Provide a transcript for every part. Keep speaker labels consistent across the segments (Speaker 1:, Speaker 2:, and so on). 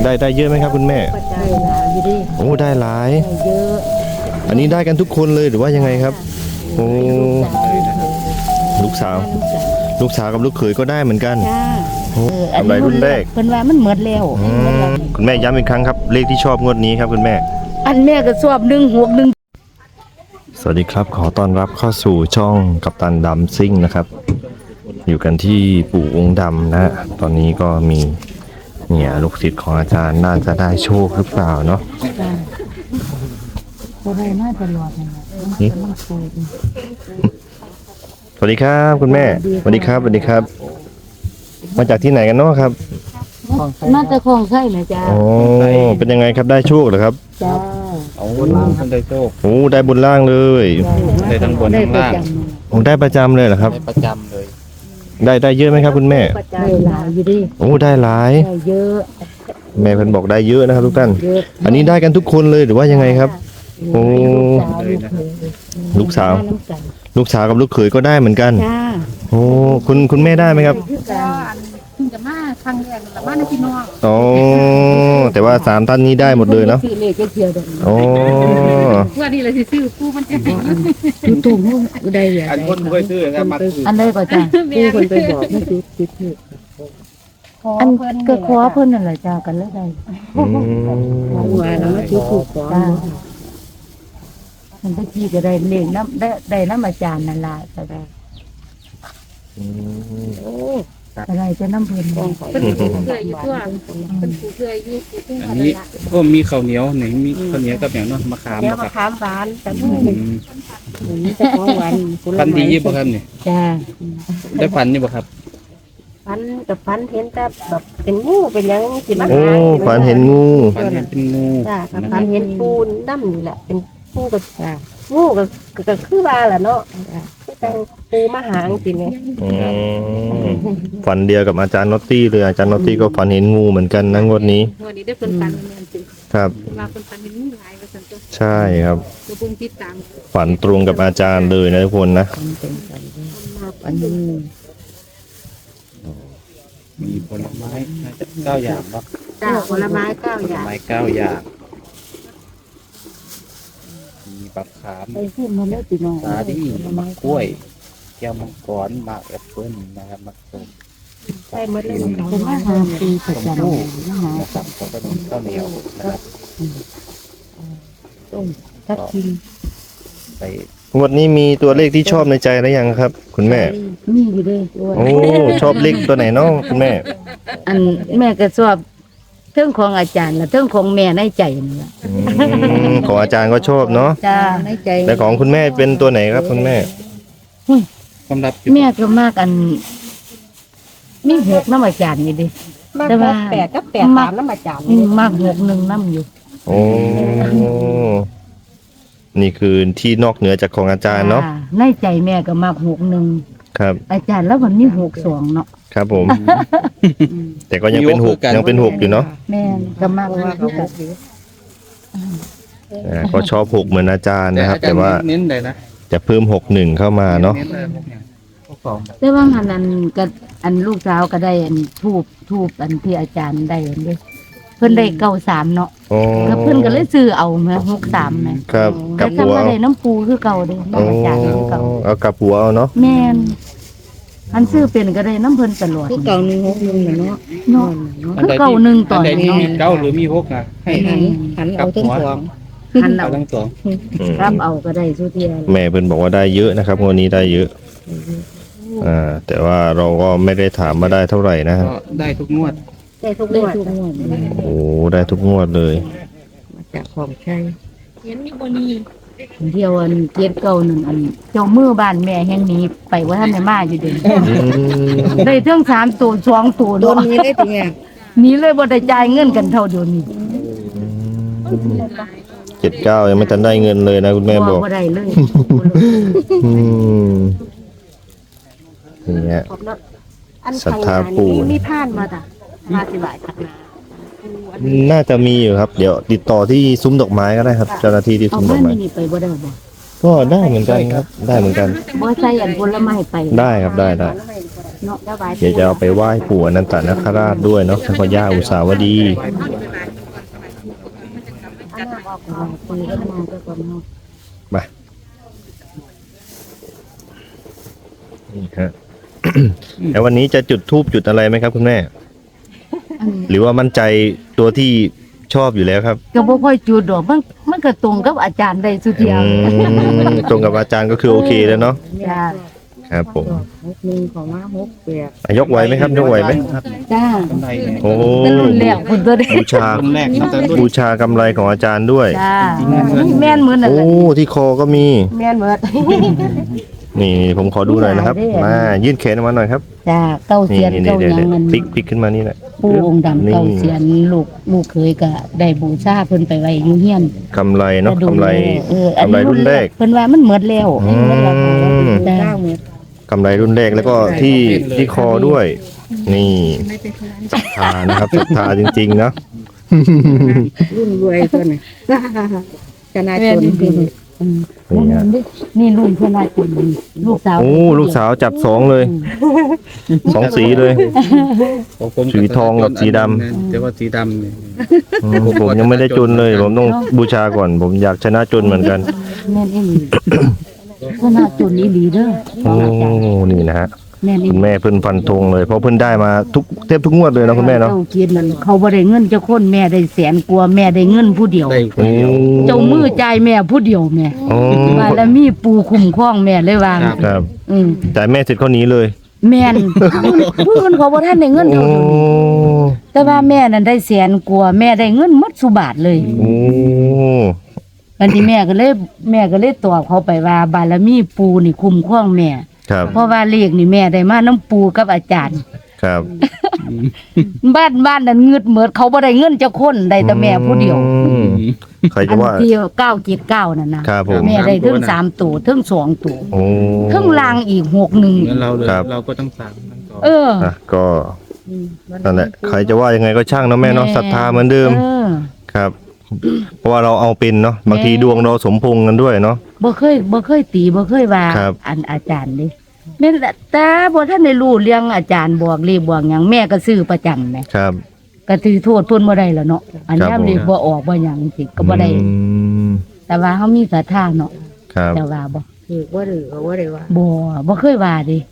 Speaker 1: ได้เยอะไหมครับคุณแม่
Speaker 2: ได้หลายอยู่ดิ
Speaker 1: โอ้ได้หลาย
Speaker 2: เยอะ
Speaker 1: อันนี้ได้กันทุกคนเลยหรือว่ายังไงครับโอ้ลูกสาวกับลูกเขยก็ได้เหมือนกันโอ้กำไรรุ่นแรก
Speaker 2: เพิ่นว่ามันหมดแล้ว
Speaker 1: คุณแม่ย้ำอีกครั้งครับเลขที่ชอบงวดนี้ครับคุณแม่
Speaker 2: อันแม่ก็ชอบ161
Speaker 1: สวัสดีครับขอต้อนรับเข้าสู่ช่องกัปตันดำซิ่งนะครับอยู่กันที่ปู่องค์ดำนะตอนนี้ก็มีเนี่ยลูกศิษย์ของอาจารย์น่าจะได้โชคหรือเปล่าเนาะ
Speaker 2: บ่ได้มาตลอดนั่นแหละมันสูง
Speaker 1: สวัสดีครับคุณแม่สวัสดีครับมาจากที่ไหนกันเนาะครับ
Speaker 2: มาจากคลองไส้นะจ๊ะ
Speaker 1: โอ้เป็นยังไงครับได้โชคเหรอครับ
Speaker 2: จ้า
Speaker 3: เอาบนล่างได้โชค
Speaker 1: โอ้ได้บนล่างเลย
Speaker 3: ได้ทั้งบนทั้งล่าง
Speaker 1: โอ้ได้ประจำเลยเหรอครับ
Speaker 3: ได้ประจำเลย
Speaker 1: ได้เยอะไหมครับคุณแม่
Speaker 2: ได้หลายอยู่ดิ
Speaker 1: โอ้ได้หลาย
Speaker 2: ได้เยอะ
Speaker 1: แม่เพิ่นบอกได้เยอะนะครับทุกท่านอันนี้ได้กันทุกคนเลยหรือว่ายังไงครับโอ้ลูกสาวกับลูกเขยก็ได้เหมือนกันโอ้คุณแม่ได้ไหมครับ
Speaker 4: คุณจะมาครั้งแรกแต่มาในพี่น้อง
Speaker 1: อ๋อแต่ว่า3ท่านนี้ได้หมดเลยเนาะโอ้
Speaker 4: ว่านี่เลยสิซื้อผู้มันจะ
Speaker 2: ตู้ได้อย่าง
Speaker 3: อันคนเคยซื้อกันมา
Speaker 2: อันได้ก็จ้าผู้คนไปบอกไม่ซื้ออันก็ขอเพิ่นนั่นแหละจ้ากันแล้วได้ว่าแล้วมาซื้อถูกขอมันไปจี้ก็ได้เลี้ยงน้ำได้น้ำอาจารย์นั่นล่ะก็ได้อะไรจะน้ำเพิ่น
Speaker 4: เป็นผู้เคยอยู่ตัวเป็นผู้เคยอยู่
Speaker 3: อันนี้ก็มีข้าวเหนียวไหนมีข้าวเหนียวกับอย่างเนาะมะขาม
Speaker 4: แล้วมะขามหวานแต่ผู้
Speaker 2: นี่จะของหวาน
Speaker 3: ฟันดียี่บ่ครับเนี่ย
Speaker 2: จ้า
Speaker 3: ได้ฟันนี่บ่ครับ
Speaker 4: ฟันกับฟันเห็นแต่แบบเป็นงูเป็นยังสิมา
Speaker 1: โอ้ฝันเห็นงู
Speaker 3: ฟันเห็นเป็นงู
Speaker 4: จ้ากับฟันเห็นปูนดำนี่แหละเป็นปูกับงูก็คือว่าแหละเนาะคือแต่ปูมาหางสิเนี่ย
Speaker 1: ฝันเดียวกับอาจารย์น็อตตี้เลยอาจารย์น็อตตี้ก็ฝันเห็นงูเหมือนกันนะงวดนี้
Speaker 4: ได้เป็นฟันเหมือนกัน
Speaker 1: ครับ
Speaker 4: มาเป็นฟันเห็นงูหลายกว่าสันตัว
Speaker 1: ใช่ครับ
Speaker 4: ตัวบุ้งติดตาม
Speaker 1: ฝันตรงกับอาจารย์เลยนะทุกคนนะ
Speaker 2: อันนี้
Speaker 3: มีผลไม้น่าจะ9อย่างเนาะ
Speaker 4: ผลไม้9อย่าง
Speaker 3: 9อย่างมีบักขาม
Speaker 2: ไอ้ที่มันไม่ติดน้อง
Speaker 3: สาลี่มะกล้วยแก้วมังกรมะแอปเปิ้ลนะครับมะส้ม
Speaker 4: ใช่หมดเลย
Speaker 2: เป็นอาหารปีประจำ
Speaker 3: นะครับแล้วก็มีข้าวเหนียวนะครับ
Speaker 2: ต้มทับทิม
Speaker 3: ไป
Speaker 1: วันนี้มีตัวเลขที่ชอบในใจหรือยังครับคุณแม่
Speaker 2: มีอยู่ด้วย
Speaker 1: โอ้ชอบเลขตัวไหนน้องคุณแม่
Speaker 2: อันแม่ก็ชอบเรื่องของอาจารย์และเรื่องของแม่ในใจนี่แหละ
Speaker 1: ของอาจารย์ก็ชอบเนาะ
Speaker 2: จ้าในใจ
Speaker 1: แต่ของคุณแม่เป็นตัวไหนครับคุณแม่
Speaker 3: ความลับ
Speaker 2: แม่ก็มากอันมี6น้ำอาจารย์อยู่ดิ
Speaker 4: แต่ว่า8กับ8 3น้ำอาจารย์
Speaker 2: มาก61น้ำอยู่
Speaker 1: โอ้นี่คือที่นอกเหนือจากของอาจารย์เนาะ
Speaker 2: ในใจแม่ก็มาก61
Speaker 1: ครับ
Speaker 2: อาจารย์แล้วมันมี62เนาะ
Speaker 1: ครับผมแต่ก็ยังเป็น6ยังเป็น6อยู่เนาะ
Speaker 2: แม่ก็มากว่าคือกัน
Speaker 1: ก็ชอบ6เหมือนอาจารย์นะครับแต่ว่า
Speaker 3: เน้นเลยนะ
Speaker 1: จะเพิ่ม61เข้ามาเนาะ
Speaker 2: แต่ว่าอันก็อันลูกสาวก็ได้อันทูบอันที่อาจารย์ได้อันนี้เพิ่นได้93เนาะแล้วเพิ่นก็เลยซื้อเอาแม่63แม่
Speaker 1: ครับ
Speaker 2: กับหัวได้น้ำปูคือเก่าเด้น้ำอาจารย์คือเก่า
Speaker 1: เอากับหัวเอาเนาะ
Speaker 2: แม่นอันซื้อเป็นก็ได้น้ำเพิ่นตลอดคือเก่า161เนาะเนาะคือเก่า1ตอน
Speaker 3: นี้เก่าหรือมี6อ่ะให้
Speaker 2: หันเอาทั้งสอง
Speaker 3: หันเอาทั้งสอง
Speaker 2: รับเอาก็ได้สุเทีย
Speaker 1: แม่เพิ่นบอกว่าได้เยอะนะครับวันนี้ได้เยอะแต่ว่าเราก็ไม่ได้ถามมาได้เท่าไหร่นะครับ
Speaker 3: ได้ทุกงวด
Speaker 2: ได้ทุกงวด
Speaker 1: โอ้ได้ทุกงวดเลย
Speaker 2: มาจากของใช้เห็นมีบ่นี่เที่ยวอันเกียรติเก่านึงอันเจ้ามือบ้านแม่แห่งนี้ไปว่าท่านได้มาอยู่เด้ได้ทั้ง3ตัว2ตัวโดนนี้ได้ติแม่นี้เลยบ่ได้จ่ายเงินกันเท่าเดี๋ยวนี้
Speaker 1: 79ยังไม่ทันได้เงินเลยนะคุณแม่บอก
Speaker 2: บ่ได้เลย
Speaker 1: เนี่ยศรัทธาปู่
Speaker 4: มีผ่านมาจ้ะมาสิบายทักนา
Speaker 1: น่าจะมีอยู่ครับเดี๋ยวติดต่อที่ซุ้มดอกไม้ก็ได้ครับเจ้าหน้าที่ที่ซุ้มดอกไม้
Speaker 2: ไปบ่ได้บ่
Speaker 1: ก็ได้เหมือนกันครับได้เหมือนกัน
Speaker 2: บ่ใส่อันผลไม้ไป
Speaker 1: ได้ครับได้เนาะเดี๋ยวจะเอาไปไหว้ปู่อนันตนาคราชด้วยเนาะพระย่าอุษาวดี
Speaker 2: คุยกันมาก็ก่อนเนาะ
Speaker 1: มานี่ฮะ แล้ววันนี้จะจุดธูปจุดอะไรไหมครับคุณแม่
Speaker 2: อัน
Speaker 1: หรือว่ามั่นใจตัวที่ชอบอยู่แล้วครับ
Speaker 2: ก็บ่ค่อยจุดดอกมันก็ตรงกับอาจารย์ได้สุดเดียว
Speaker 1: ตรงกับอาจารย์ก็คือโอเคแล้วเนาะ
Speaker 2: จ้า
Speaker 1: ครับผม
Speaker 2: 61ของมา68
Speaker 1: ยกไหวไหมครับยกไหวไหม
Speaker 2: จ้าก
Speaker 3: ำไรเนี่ย
Speaker 1: โอ้
Speaker 2: แต่รุ่นแรกเพิ่นตัวได้
Speaker 1: บูชา
Speaker 3: รุ่นแรกตั้งแต่รุ่น
Speaker 1: บูชากำไรของอาจารย์ด้วย
Speaker 2: จ้าแม่นเหมือนนั่น
Speaker 1: โอ้
Speaker 2: แหละ
Speaker 1: ที่คอก็มี
Speaker 4: แม่นเบิด
Speaker 1: นี่ผมขอดูหน่อยนะครับ มายื่นแขนออกมาหน่อยครับ
Speaker 2: จ้าเก้า
Speaker 1: นี่
Speaker 2: เสียน
Speaker 1: นี่
Speaker 2: เก้า
Speaker 1: เดี๋ยว
Speaker 2: หยังมัน
Speaker 1: พลิกขึ้นมานี่แหละ
Speaker 2: ปู่องค์ดำ
Speaker 1: นี่
Speaker 2: เก้าเสียนลูกเคยก็ได้บูชาเพิ่นไปไว้อยู่เฮียน
Speaker 1: กำไรเนาะ
Speaker 2: แต่ดู
Speaker 1: กำไร
Speaker 2: อัน
Speaker 1: กำไร
Speaker 2: นี้
Speaker 1: รุ่นแรก
Speaker 2: เพิ่นว่ามันหมดแล้ว
Speaker 1: อืม
Speaker 2: จ้า
Speaker 1: กำไรรุ่นแรกแล้วก็ที่คอด้วย นี่ศรัทธานะครับศรัทธาจริงๆนะ
Speaker 2: รุ่นรวยเพิ่นน่ะชนะจน
Speaker 1: นี่ฮะ
Speaker 2: นี่รุ่นชนะจนลูกสาว
Speaker 1: โอ้ลูกสาวจับสองเลยสองสีเลย
Speaker 3: ของผม
Speaker 1: สีทองกับสีดำ
Speaker 3: แต่ว่าสีดำเนี่ย
Speaker 1: ผมยังไม่ได้จนเลย ผมต้องบูชาก่อน ผมอยากชนะจนเหมือนกัน
Speaker 2: แม่นอีหลีชนะจนอีหลีเด้อ
Speaker 1: โอ้นี่นะฮะ
Speaker 2: แม่นอี
Speaker 1: คุ
Speaker 2: ห
Speaker 1: ณ
Speaker 2: ลี
Speaker 1: แม่เพิ่นฟันธงเลยเพราะเพิ่นได้มาเทบทุกงวดเลยนะคุณแม่เนาะ
Speaker 2: เจ้าเกียรตินั่นเขาบ่ได้เงินเจ้าคนแม่ได้แสนกว่าแม่ได้เงินผู้เดียว
Speaker 3: ได้คนเดียว
Speaker 2: เจ้ามือจ่ายแม่ผู้เดียวแม่
Speaker 1: โอ้
Speaker 2: บารมีปูคุ้มครองแม่เลยว่า
Speaker 1: ครับ
Speaker 2: อืม
Speaker 1: จ่ายแม่เสร็จข้อนี้เลย
Speaker 2: แม่นผู้อื่นเขาบ่ทันได้เงิน
Speaker 1: โอ้
Speaker 2: เท่านี้แต่ว่าแม่นั่นได้แสนกว่าแม่ได้เงินหมดสุบาทเลย
Speaker 1: โอ้
Speaker 2: อันที่แม่ก็เลยตอบเขาไปว่าบารมีปูนี่คุ้มครองแม่
Speaker 1: ครับ
Speaker 2: เพราะว่าเลขนี่แม่ได้มาน้ำปูกับอาจารย์
Speaker 1: ครับ
Speaker 2: บ้านนั้นเงืดเหมือดเขาบ่ได้เงินเจ้าคนได้แต่แม่ผู้เดียว
Speaker 1: อืมใคร
Speaker 2: อั
Speaker 1: จะ
Speaker 2: น
Speaker 1: ว่า
Speaker 2: ที่979นั่นนะครับ
Speaker 1: ผม
Speaker 2: แม่ได้ถึง3ตัวถึง2ตัว
Speaker 1: โอ้
Speaker 2: ถึงลางอีก61
Speaker 3: เหมือนเราเลย
Speaker 1: ครับ
Speaker 3: เราก็ต้องสั่งทั้งสอง
Speaker 2: เออ
Speaker 1: อ่ะก็นั่นแหละใครจะว่ายังไงก็ช่างเนาะแม่เนาะศรัทธาเหมือนเดิม ครับ เพราะว่าเราเอาเป็นเนาะบางทีดวงเราสมพงษ์กันด้วยเนาะ
Speaker 2: บ่เคยตีบ่เคยว่า
Speaker 1: ครับ
Speaker 2: อันอาจารย์เด้แม่นละแต่บ่ทันได้รู้เรื่องอาจารย์บอกเลขบอกหยังแม่ก็ซื้อประจำแหม
Speaker 1: ครับ
Speaker 2: ก็ถือโทษเพิ่นบ่ได้แล้วเนาะอัน
Speaker 1: ครับ
Speaker 2: ยาม
Speaker 1: ผม
Speaker 2: เลขบ่ออกบ่หยังสิก็บ่ได้
Speaker 1: อืม
Speaker 2: แต่ว่าเฮามีศรัทธาเนาะ
Speaker 1: ครับ
Speaker 2: แต่ว่าบ่
Speaker 4: ถือว่าหรือว่าได้ว่า
Speaker 2: บ่เคยว่าเดิ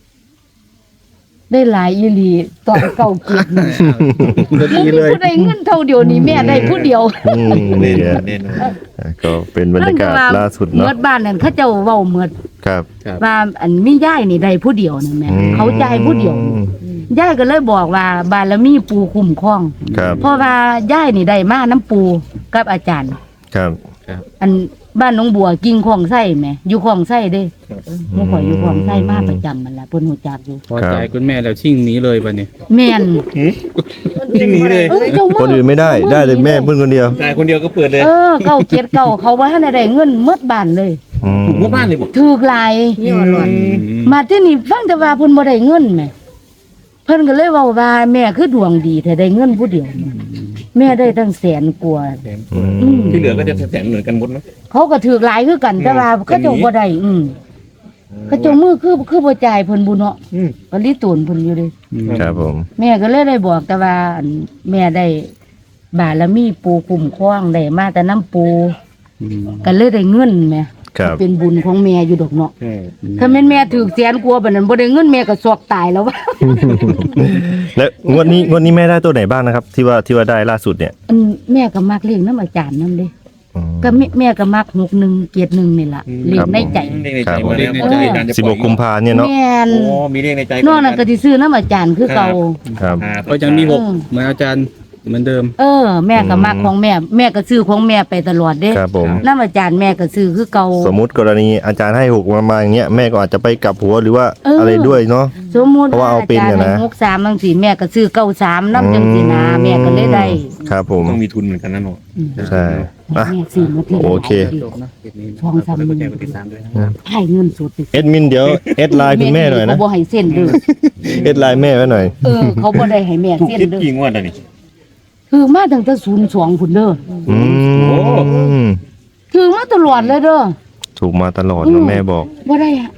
Speaker 2: ได้หลายอีหลีตอนเก่าเก็บนี่
Speaker 3: ก็ดีเลย
Speaker 2: ผู้ใดเงินเท่าเดียวนี่แม่ได้ผู้เดียว
Speaker 1: อืมนี่แหละ
Speaker 3: แน่นอน
Speaker 1: ก็เป็นบรรยากาศล่าสุด
Speaker 2: เมื่
Speaker 1: เนาะ
Speaker 2: อบ้านนั้นเขาเจ้าเว้าเมื่อ
Speaker 1: ครับ
Speaker 3: ครับ
Speaker 2: ว่าอันมียายนี่ได้ผู้เดียวนั่นแหม่
Speaker 1: อืม
Speaker 2: เขาจ่ายผู้เดียวนี่ยายก็เลยบอกว่าบารมีปูคุ้มครอง
Speaker 1: ครับ
Speaker 2: เพราะว่ายายนี่ได้มาน้ำปูกับอาจารย์
Speaker 1: ครับ
Speaker 2: อันบ้านหน้องบัวกิ่งคลองไส้แหมอยู่คลองไส้เด้เมื่อก่อนอยู่คลองไส้มาประจำมันละเพิ่นฮู้จักอยู่
Speaker 3: พอใจคุณแม่แล้วชิ่งหนี้เลยป่ะเนี่ย
Speaker 2: แม่น
Speaker 3: ชิ่งหนี้เลย
Speaker 2: เจ้า
Speaker 1: คนอื่นไม่ได้ได้แต่แม่เพิ่งคนเดียว
Speaker 3: ตายคนเดียวก็เปิดเลย
Speaker 2: เก้าเกียรติเก้าเขาว่าให้ได้เงินหมดบ้านเลย
Speaker 1: อืม
Speaker 3: ถูกว่าบ้านเลยบอก
Speaker 2: ถูกหลาย
Speaker 4: นี่ว่าหลอน
Speaker 2: มาที่นี่ฟังแต่ว่าเพิ่นบ่ได้เงินแหมเพิ่นก็เลยเว้าว่าแม่คือดวงดีแต่ได้เงินผู้เดียวแม่ได้ตั้งแสนกว่า
Speaker 1: อืม
Speaker 3: ที่เหลือก็จะแสนเหมือนกันหมดไหม
Speaker 2: เขาก็ถือหลายคือกัน แต่ว่าเขาเจ้าบ่ได้เขาเจ้ามือคือบ่จ่ายเพิ่นบุเนาะก็ลิตูนเพิ่นอยู่เด้
Speaker 1: ครับผม
Speaker 2: แม่ก็เลยได้บอกแต่ว่าอันแม่ได้บารมีปูคุ้มครองได้มาแต่น้ำปูก็เลยได้เงินแหม่
Speaker 1: ครับ
Speaker 2: เป็นบุญของแม่อยู่ดอกเนาะถ้าแม่นแม่ถือแสนกว่าบัดนั้นบ่ได้เงินแม่ก็สอกตายแล้ววะ
Speaker 1: แล้วงวดนี้แม่ได้ตัวไหนบ้างนะครับ ที่ว่าได้ล่าสุดเนี่ย
Speaker 2: อันแม่ก็มักเลี้ยงน้ำอาจารย์นำเด้
Speaker 1: อืม
Speaker 2: ก็แม่ก็มัก61เกียรติ1นี่ล่ะเลี้ยงในใจ
Speaker 3: เลขใน
Speaker 1: ครั
Speaker 3: ใจ
Speaker 1: บ
Speaker 3: มาแล้ว
Speaker 2: ผม
Speaker 3: อาจารย์จะปล่อย
Speaker 1: 16กุมภาเนี่ยเนาะ
Speaker 2: แม่น
Speaker 3: โอ้มีเลขในใจ
Speaker 2: นอกนั้นก็สิซื้อน้ำอาจารย์คือเก่า
Speaker 1: ครับ
Speaker 3: ก็ยังมี6เหมือนอาจารย์เหมือนเดิม
Speaker 2: แม่ก็มักของแม่ก็ซื้อของแม่ไปตลอดเด้
Speaker 1: ครับผม
Speaker 2: น้ำอาจารย์แม่ก็ซื้อคือเก่า
Speaker 1: สมมุติกรณีอาจารย์ให้6มาอย่างเงี้ยแม่ก็อาจจะไปกลับหัวหรือว่า
Speaker 2: เอออ
Speaker 1: อะไรด้วยเนาะ
Speaker 2: สมมุติ
Speaker 1: เพราะว่าเอาเป็นเนี่ยนะ
Speaker 2: อาจารย์ให้63จังซี่แม่ก็ซื้อ93นำจังซี่นะแม่ก็เลยได้
Speaker 1: ครับผม
Speaker 3: ต้องมีทุนเหมือนกันนะหนู
Speaker 1: ใช่อ่ะ
Speaker 2: แม่ซื้อมาที
Speaker 1: โอเค
Speaker 3: จบนะคลิปนี้
Speaker 2: ช่อง3
Speaker 3: กดแชร์กดติดตามด้วยนะ
Speaker 2: ให้เงินสดไป
Speaker 1: เอ็ดมินเดี๋ยวเอ็ดไลน์คุณแม่หน่อยนะ
Speaker 2: เขาบ่ให้เส้นเด้อ
Speaker 1: เอ็ดไลน์แม่ไว้หน่อย
Speaker 2: เขาบ่ได้ให้แม่
Speaker 3: ถูก
Speaker 2: เส้น
Speaker 3: คิด
Speaker 2: เด้อ
Speaker 3: กี่งวดอ่ะนี่
Speaker 2: คือมาตั้งแต่02พุ่นเด้อ
Speaker 1: อืม
Speaker 2: คือมาตลอดเลยเด้อ
Speaker 1: ถูกมาตลอดนะแม่บอก
Speaker 2: บ่ได้อะ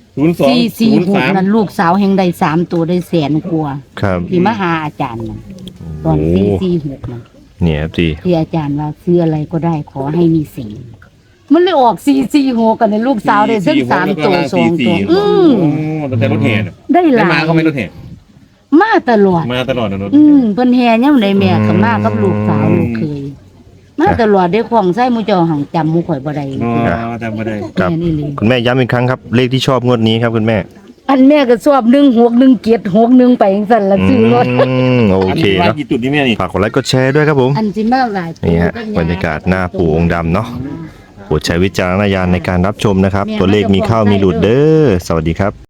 Speaker 2: 446นั่นลูกสาวแห่งได้3ตัวได้แสนกว่า
Speaker 1: ครับ
Speaker 2: ที่มาหาอาจารย์น่ะตอน446นั่น
Speaker 1: เนี่ยครับจี
Speaker 2: ที่อาจารย์ว่าซื้ออะไรก็ได้ขอให้มีสีมันเลยออก446กันในลูกสาวได้ทั้ง3ตัว2ตัว
Speaker 5: ตั้งแต่รถแห่เนี่ย
Speaker 2: ได้ห
Speaker 5: ได้
Speaker 2: ลาย
Speaker 5: มาก็ไม่รถแห่
Speaker 2: มาตลอด
Speaker 5: มาตลอดนะรถ
Speaker 2: เพิ่นแห่ยามใดแม่ก็มากับลูกสาวลูกเคยมาตลอดได้ของใส่หมู่เจ้าหังจำหมู่ข่อยบ่ได้
Speaker 5: อ๋อจำไม่ได้
Speaker 1: ครับ
Speaker 2: แม่นี่เลย
Speaker 1: คุณแม่ย้ำอีกครั้งครับ เลขที่ชอบงวดนี้ครับคุณแม่
Speaker 2: อันแม่ก็ชอบ161761ไปจังซั่นละซื้อรถ
Speaker 1: โอเค
Speaker 5: ร้าน
Speaker 1: เนาะ
Speaker 5: กี่จุดนี่แม่นี่
Speaker 1: ฝากกดไลค์กดแชร์ด้วยครับผม
Speaker 2: อันสิมาหลาย
Speaker 1: นี่ฮะบรรยากาศหน้าปู่องค์ดำเนาะโปรดใช้วิจารณญาณในการรับชมนะครับ ตัวเลขมีเข้ามีหลุดเด้อสวัสดีครับ